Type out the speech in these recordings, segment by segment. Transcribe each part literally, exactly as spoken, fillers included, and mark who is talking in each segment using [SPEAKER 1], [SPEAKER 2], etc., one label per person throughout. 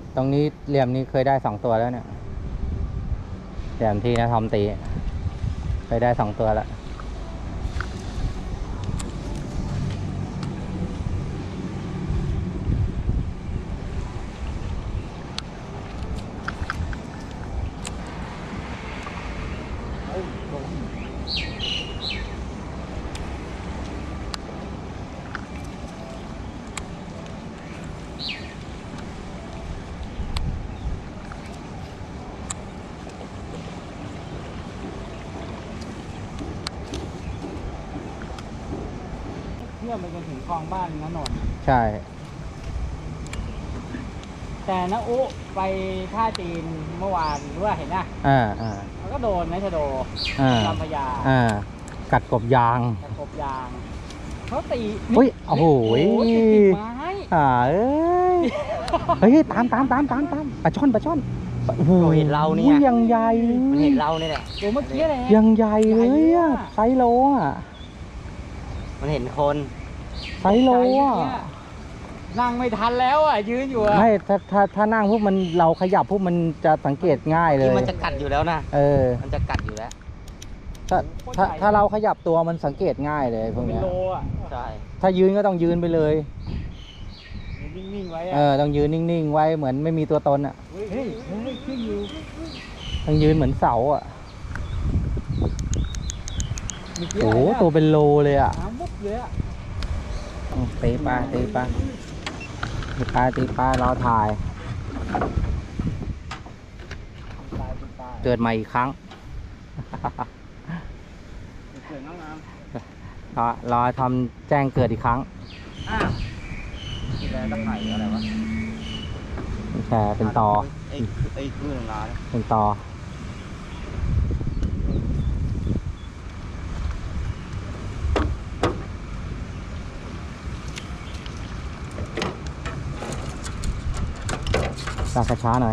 [SPEAKER 1] ตรงนี้เหลี่ยมนี้เคยได้สองตัวแล้วเนี่ยเหลี่ยมที่นะทอมตีเคยได้สองตัวแล้ว
[SPEAKER 2] เพื่อมันจะถึงคลองบ้านนะนนท์
[SPEAKER 1] ใช่
[SPEAKER 2] แต่นะอุไปท่าจีนเมื่อวานรู้ว่าเห็นนะ
[SPEAKER 1] อ่าอ่า
[SPEAKER 2] มันก็โดนนะชะโดลำพญา
[SPEAKER 1] อ่ากัดกบยาง
[SPEAKER 2] กัดกบยางเขาตี
[SPEAKER 1] อุ้ยโอ้โห
[SPEAKER 2] ติดไม้
[SPEAKER 1] อ่าเอ้ยเฮ้ยตามตามตามตามตามปลาช่อนปลาช่อนโอ้โห
[SPEAKER 2] เห็นเราเนี่ย
[SPEAKER 1] ยังใหญ่
[SPEAKER 2] มันเห็นเราเนี่ยแหละตัวเมื่อกี้เลย
[SPEAKER 1] ยังใหญ่เลยอ่ะไซโลอ่ะ
[SPEAKER 2] มันเห็นคน
[SPEAKER 1] ไซโลอ่ะ
[SPEAKER 2] นั่งไม่ทันแล้วอ่ะยืนอยู่อ่ะ
[SPEAKER 1] ไม่ถ้าถ้าถ้านั่งพวกมันเราขยับพวกมันจะสังเกตง่ายเลย
[SPEAKER 2] มันจะกัดอยู่แล้วนะ
[SPEAKER 1] เออ
[SPEAKER 2] มันจะกัดอยู่แล้ว
[SPEAKER 1] ถ้าถ้าถ้าเราขยับตัวมันสังเกตง่ายเลยพวกนี้
[SPEAKER 2] ใช่
[SPEAKER 1] ถ้ายืนก็ต้องยืนไปเลย
[SPEAKER 2] นิ่งๆไว้
[SPEAKER 1] เออต้องยืนนิ่งๆไว้เหมือนไม่มีตัวตนอ่ะ
[SPEAKER 2] เฮ้ยเฮ้ยขึ้นอยู่
[SPEAKER 1] ต้องยืนเหมือนเสาอ่ะโอ้ตัวเป็นโลเลยอ่ะตีปลาตีปลาตีปลาตีปลารอถ่ายเกิดใหม่อีกครั้งรอรอทำแจ้งเกิดอีกครั้ง
[SPEAKER 2] แตะไคร่อะไรวะ
[SPEAKER 1] แชร์เป็นตอ
[SPEAKER 2] ไอ้ไอ้คลื่นร้าน
[SPEAKER 1] เป็นตอลากช้าหน่อย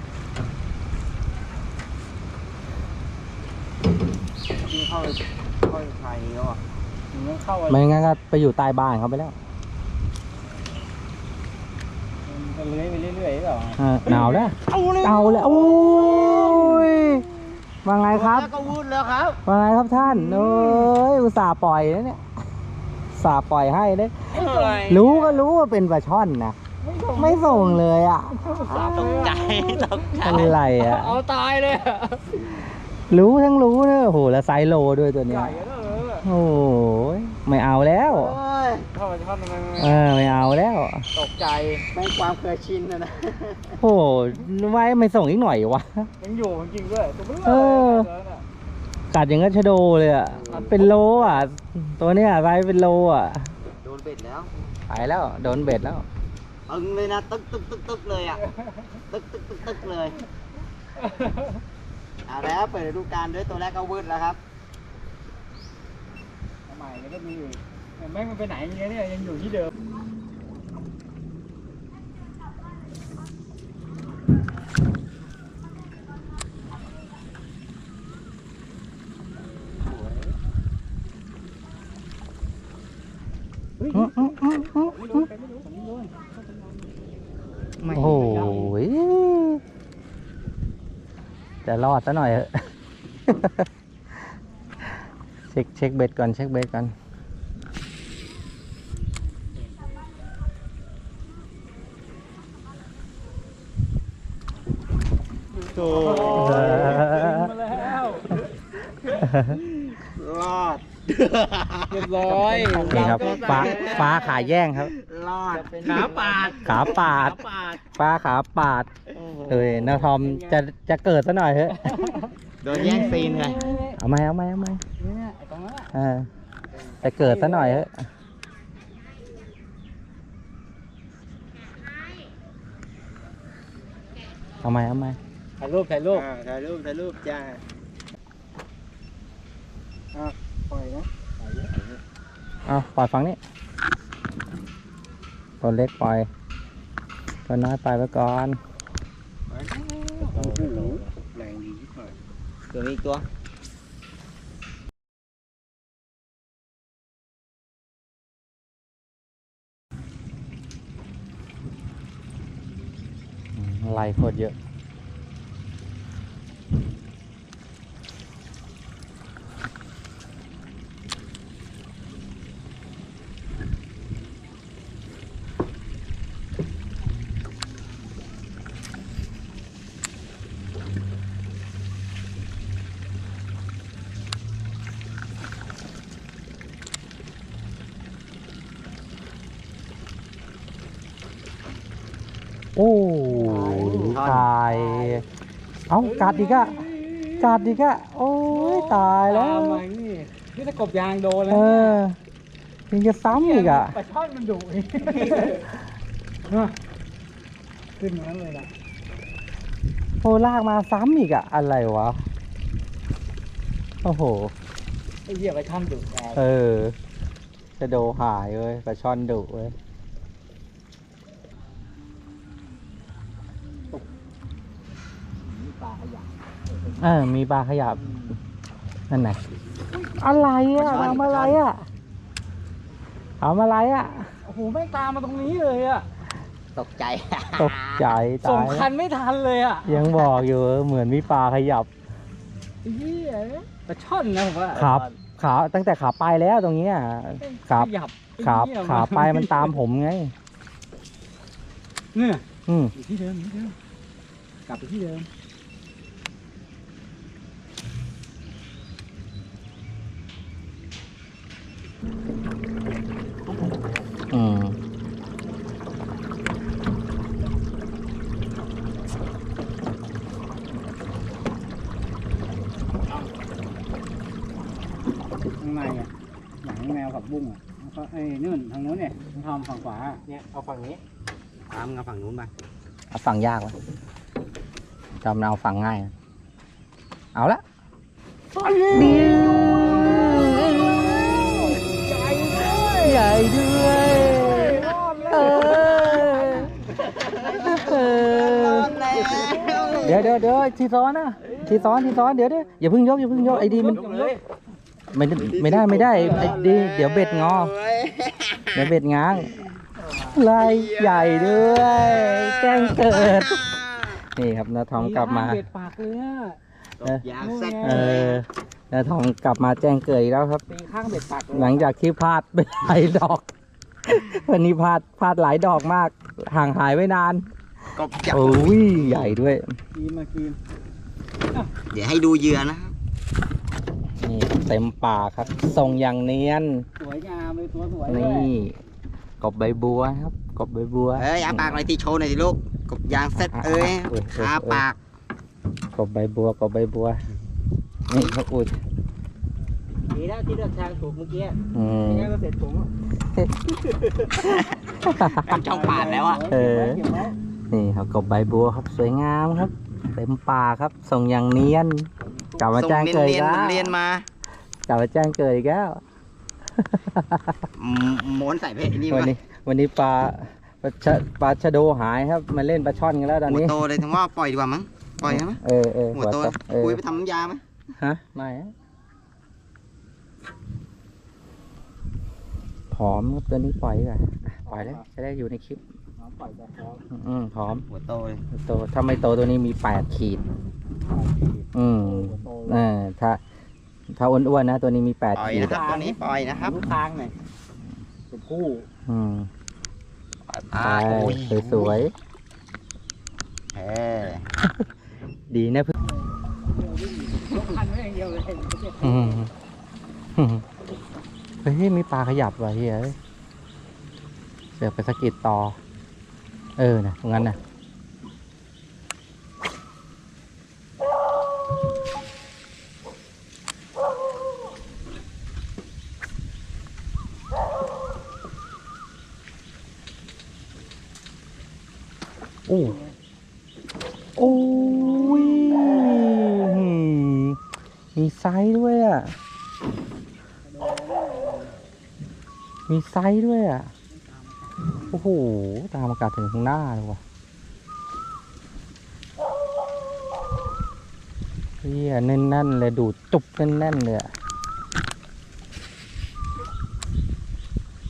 [SPEAKER 2] ที่เข้าเข้าไทยแล้วอ่ะมันเข้า
[SPEAKER 1] ไม่งั้นก็ไปอยู่ใต้บ้านเขาไปแล้ว
[SPEAKER 2] มันเลื้อยไปเรื่อยๆหรอ
[SPEAKER 1] หนาวแล้วเอาแล้วโอ้ยว่าไงครับ
[SPEAKER 2] ก็วุ่นแล้วครับ
[SPEAKER 1] ว่าไงครับท่านเอ้ยอุตส่าห์ปล่อยนะเนี่ยอุตส่าห์ปล่อยให้เลยรู้ก็รู้ว่าเป็นปลาช่อนนะไม่ส่งเลยอ่ะ
[SPEAKER 2] ตกใจตกใจ
[SPEAKER 1] อะไรอ่ะ
[SPEAKER 2] เอาตายเลย
[SPEAKER 1] รู้ทั้งรู้เนอะโหแล้วไซโลด้วยตัวเนี้ยโอ้ยไม่เอาแล้ว
[SPEAKER 2] เข้าไปช่อนมัน
[SPEAKER 1] เออไม่เอาแล้ว
[SPEAKER 2] ตกใจไม่ความเคยชินนะนะ
[SPEAKER 1] โอ้ไว้ไม่ส่งอีกหน่อยวะ
[SPEAKER 2] ยังอยู่จริงด้วย
[SPEAKER 1] เออกัดอย่างงั้นชะโดเลยอ่ะเป็นโลอ่ะตัวเนี้ยไซเป็นโลอ่ะ
[SPEAKER 2] โดนเบ็ดแล้ว
[SPEAKER 1] ไปแล้วโดนเบ็ดแล้ว
[SPEAKER 2] ตึงเลยนะตึกตึกตึกตึกเลยอ่ะตึกตึกตึกตึกเลยเอาแล้วเปิดฤดูกาลด้วยตัวแรกก็วืดแล้วครับใหม่แล้วก็มีอีกแม่งมันไปไหนอย่างเงี้ยเนี่ยยังอยู่ที่เดิม
[SPEAKER 1] โอ้ยจะรอดซะหน่อยเถอะเช็คเช็คเบ็ดก่อนเช็คเบ็ดก่อน
[SPEAKER 2] โถ่มาแล้วรอดเรียบร้อย
[SPEAKER 1] นี่ครับฟ้าฟ้าขาแย่งครับ
[SPEAKER 2] รอดขาปาด
[SPEAKER 1] ขาปาดฟ้าขาปาดเฮ้ยนาทอมจะจะเกิดซะหน่อยเถอะ
[SPEAKER 2] โดนแย่งซีนไง
[SPEAKER 1] เอาไหมเอาไหมเอาไหมเออจะเกิดซะหน่อยเถอะเอาไหมเอาไหม
[SPEAKER 2] ถ่ายรูปถ่ายรูปถ่ายรูปถ่ายรูปจ้าปล่อยนะ
[SPEAKER 1] เอาปล่อยฝั่งนี้ตัวเล็กปล่อยตัวน้อยปล่อยไปก่อน
[SPEAKER 2] แรงดีที่สุดตัวนี้ตัว
[SPEAKER 1] ลายโคตรเยอะโอ้ตาย เอ้ากัดอีกอะกัดอีกอะโอ้ยตายแล้ว
[SPEAKER 2] ตามมานี่นี่ถ้ากบยางโดนแล้
[SPEAKER 1] เอ
[SPEAKER 2] วเนี่ย
[SPEAKER 1] อยังจะซ้ำอีกอะ
[SPEAKER 2] ปลาช่อนมันดุอีกขึ้นมาเลยล่ะ
[SPEAKER 1] โอ้ลากมาซ้ำอีกอะอะไรวะ โอ้โห
[SPEAKER 2] ไอ้เหี้ยปลาช่อนดุแก
[SPEAKER 1] เออจะโดหายเว้ยปลาช่อนดุเว้ย
[SPEAKER 2] มีปลาขยะ
[SPEAKER 1] เออมีปลาขยับนั่นไหนอะไรอะทำอะไรอะทำอะไรอะ
[SPEAKER 2] โอ้โหไม่ตามมาตรงนี้เลยอ่ะ
[SPEAKER 3] ตกใจ
[SPEAKER 1] ตกใจ
[SPEAKER 2] ส่
[SPEAKER 1] ตาง ย
[SPEAKER 2] คันไม่ทันเลยอ่ะ
[SPEAKER 1] ยังบอกอยู่เหมือนมีปลาขยับ
[SPEAKER 2] ไอ้เหี้ยปลาช่อนนะผมว่า
[SPEAKER 1] ขาขาตั้งแต่ขาไปแล้วตรงเนี้ยขา
[SPEAKER 2] ขยับ
[SPEAKER 1] ขา
[SPEAKER 2] ไอ้เหี้ย
[SPEAKER 1] ขาไปมันตามผมไง
[SPEAKER 2] เนี่ย
[SPEAKER 1] อืม
[SPEAKER 2] อยู่ที่เดิมอยู่ที่เดิมกลับไปที่เดิม
[SPEAKER 1] อืม
[SPEAKER 2] ข้างในอ่ะหนังแมวกับบุ้งอ่ะแล้วก็ไอ้นู่นทางนู้นเนี่ยทำฝั่งขวาเนี่ยเอาฝั่งนี้
[SPEAKER 3] ตามกับฝั่งนู้นไป
[SPEAKER 1] เอาฝั่งยากวะจำเอาฝั่งง่ายนะเอาละเดียวใหญ่ด้วยเออเออเดี๋ยวเดี๋ยวเดี๋ยวทีซ้อนนะทีซ้อนทีซ้อนเดี๋ยวเดี๋ยวอย่าเพิ่งยกอย่าเพิ่งยกไอ้ดีมันไม่ได้ไม่ได้ไม่ได้ไอ้ดีเดี๋ยวเบ็ดงอเดี๋ยวเบ็ดง้างลายใหญ่ด้วยแจ้งเกิด นี่ครับนาทองกลับมา
[SPEAKER 2] เบ็ดปากเลยอ่ะ
[SPEAKER 3] ตกยางเซ็ต
[SPEAKER 1] เออนาทองกลับมาแจ้งเกิดอีกแล้วครับ
[SPEAKER 2] ตีข้างเบ็ดปากเลย
[SPEAKER 1] หลังจากที่พลาดไปหลายดอก วันนี้พลาดพลาดหลายดอกมาก ห่างหายไว้นาน
[SPEAKER 3] กบจับ
[SPEAKER 1] โอ้ยใหญ่ด้วย
[SPEAKER 2] กีมากีม
[SPEAKER 3] เดี๋ยวให้ดูเหยื่อนะครับ
[SPEAKER 1] นี่เต็มปากครับทรงอย่างเนียน
[SPEAKER 2] สวยงามเลยตัวสวยเลย
[SPEAKER 1] นี่กบใบบัวครับกบใบบัว
[SPEAKER 3] เอ้ยอาปากหน่อยที่โชว์หน่อยสิลูกกบยางเซ็ตเอ้ย
[SPEAKER 1] เอ้ยเอ้ย
[SPEAKER 3] อาปาก
[SPEAKER 1] กบใบบัวกบใบบัวนี่เขาอุด
[SPEAKER 2] ดีแล้วที่เลือกทางถูกเมื่อกี้
[SPEAKER 1] อืม
[SPEAKER 2] ไม่งั้นก็เสร็จผมอ่ะ
[SPEAKER 3] เป็นช่องปาดแล้วอ่ะ
[SPEAKER 1] เออ
[SPEAKER 2] ก็บไว้
[SPEAKER 1] นี่ครับกบใบบัวครับสวยงามครับเต็มป่าครับส่งอย่างเนียนกลับมา
[SPEAKER 3] ส่ง
[SPEAKER 1] แจ้ง
[SPEAKER 3] เนี
[SPEAKER 1] เกิดอี
[SPEAKER 3] ย
[SPEAKER 1] ก
[SPEAKER 3] น
[SPEAKER 1] แล้ว
[SPEAKER 3] ๆเรียนมาก
[SPEAKER 1] ลับมาแจ้งเกิดอีกแล้ว
[SPEAKER 3] อืมม้วนใส่เพชรนี่
[SPEAKER 1] วัน
[SPEAKER 3] วะ
[SPEAKER 1] นี้วันนี้ปลาปลาชะปลาชะโดหายครับมาเล่นปลาช่อนกันแล้วตอน
[SPEAKER 3] หัว
[SPEAKER 1] นี้
[SPEAKER 3] โตเลยทั้งว่าปล่อยดีกว่ามั้งปล่อยใช่ไหม
[SPEAKER 1] เออเออ
[SPEAKER 3] หัวโต
[SPEAKER 1] เออ
[SPEAKER 3] คุยไปทำน้ำยาไหม
[SPEAKER 1] ฮะไม่อะผอมครับตัวนี้ปล่อยดีกว่าอ่ะปล่อยแล้วจะได้อยู่ในคลิป
[SPEAKER 2] น้องปล่อยแบบแล้ว
[SPEAKER 1] อืมผอม
[SPEAKER 3] หัวโตเลย
[SPEAKER 1] โตถ้าไม่โตตัวนี้มีแปดขีด อืมเออถ้า ถ้าอ้วนๆนะ ตัวนี้มีแปด
[SPEAKER 3] ปล่อย
[SPEAKER 1] ขีด
[SPEAKER 3] นะครับตัวนี้ปล่อยนะครับ
[SPEAKER 2] รู้ทางหน่อยเป็นคู่
[SPEAKER 1] อืม
[SPEAKER 3] ปล่อย
[SPEAKER 1] ไป
[SPEAKER 3] ปากโอ้ย
[SPEAKER 1] สวย
[SPEAKER 3] เออ
[SPEAKER 1] ๆดีนะเพื่อน
[SPEAKER 2] ยกคันไว้อย่างเดียวเลย
[SPEAKER 1] อืมเฮ้ยมีปลาขยับว่ะเฮ้ยเอ้ยเสือกไปสะกิดต่อ เออนะตรงนั้นนะโอ้โอ้ยมีไซส์ด้วยอ่ะ มีไซส์ด้วยอ่ะ โอ้โห ตามอากาศถึงข้างหน้าเลยว่ะเฮียแน่นๆเลยดูดจุบแน่นๆเลยอ่ะ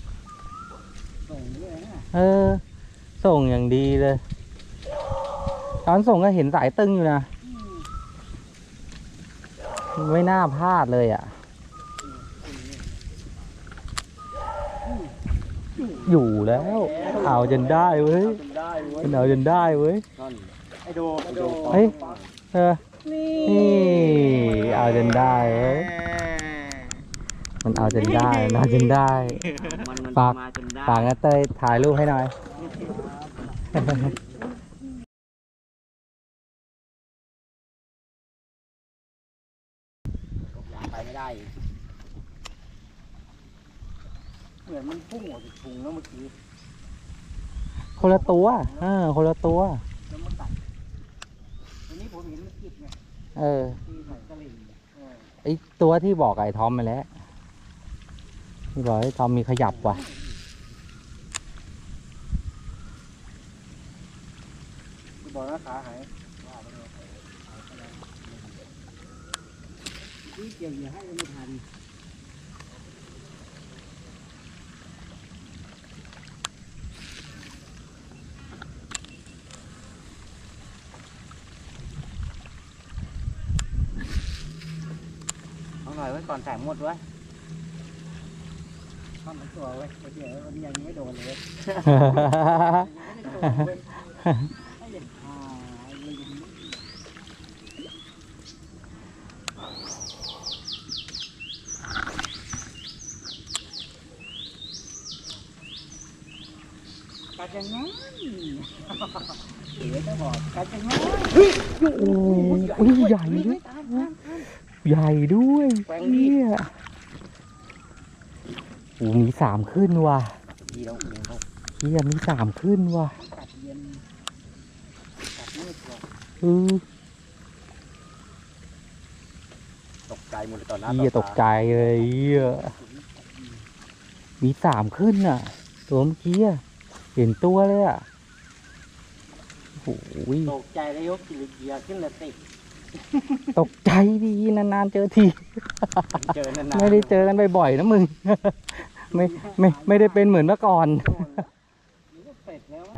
[SPEAKER 2] ส่งด้วยนะ
[SPEAKER 1] เออ ส่งอย่างดีเลยตอนส่งก็เห็นสายตึงอยู่นะ ไม่น่าพลาดเลยอ่ะ อยู่แล้ว เอาจนได้เว้ยเอาจนได้เว้ย
[SPEAKER 2] ไอโดไอโด
[SPEAKER 1] เฮ้ย เออ นี่ เอาจนได้เว้ย มันเอาจนได้มันเอาจนได้ ฝาก ฝากนะเต้ยถ่ายรูปให้หน่อย
[SPEAKER 3] ไปไม่ได้
[SPEAKER 2] เหมือนมันพุ่งออกจากถุงแล้วเมื่อกี้
[SPEAKER 1] คนละตัวเออคนละตัว
[SPEAKER 2] แล้วมันตัดวันนี้ผมเห็นมันกิบไง
[SPEAKER 1] เออ
[SPEAKER 2] ที่ไหนกะหรี่เออ
[SPEAKER 1] ไอตัวที่บอกไอ้ทอมไปแล้วที่บอกไอ้ทอมมีขยับว่ะ
[SPEAKER 2] ที่บอกนะขาหายนี่เกี่ยวเหยื่อให้ยังไม่ทันเอาหน่อยไว้ก่อนแสงหมดไว้ข้ามมันตัวไว้เดี๋ยววันนี้ยังไม่โดนเลย ไม่เด็ดขาดเลยกัดยังไงเดี๋ยวจะบอกกัดยังไง
[SPEAKER 1] โอ้ยใหญ่ด้วยใหญ่ด้วยเนี่ยโอ้มีสามขึ้นว่ะ
[SPEAKER 3] ดีแล้วดีแล้ว
[SPEAKER 1] เฮียมีสามขึ้นว่ะ
[SPEAKER 2] กัดเย็นกัดมืดกว่า
[SPEAKER 1] เออ
[SPEAKER 3] ตกใจหมดเลยตอนหน้า
[SPEAKER 1] เฮียตกใจเลยเฮียมีสามขึ้นอ่ะ ตัวเมื่อกี้อะเห็นตัวเลยอ่ะโอ้ย
[SPEAKER 2] ตกใจแล้วยกกิริเกียร์ขึ้นเลยติด
[SPEAKER 1] ตกใจดีนานๆเจอที
[SPEAKER 3] เจอนานๆ
[SPEAKER 1] ไม่ได้เจอกันบ่อยๆนะมึง ไม่ไม่ไม่ได้เป็นเหมือนเมื่อก่อน
[SPEAKER 2] นี่ก็เป็ดแล้ว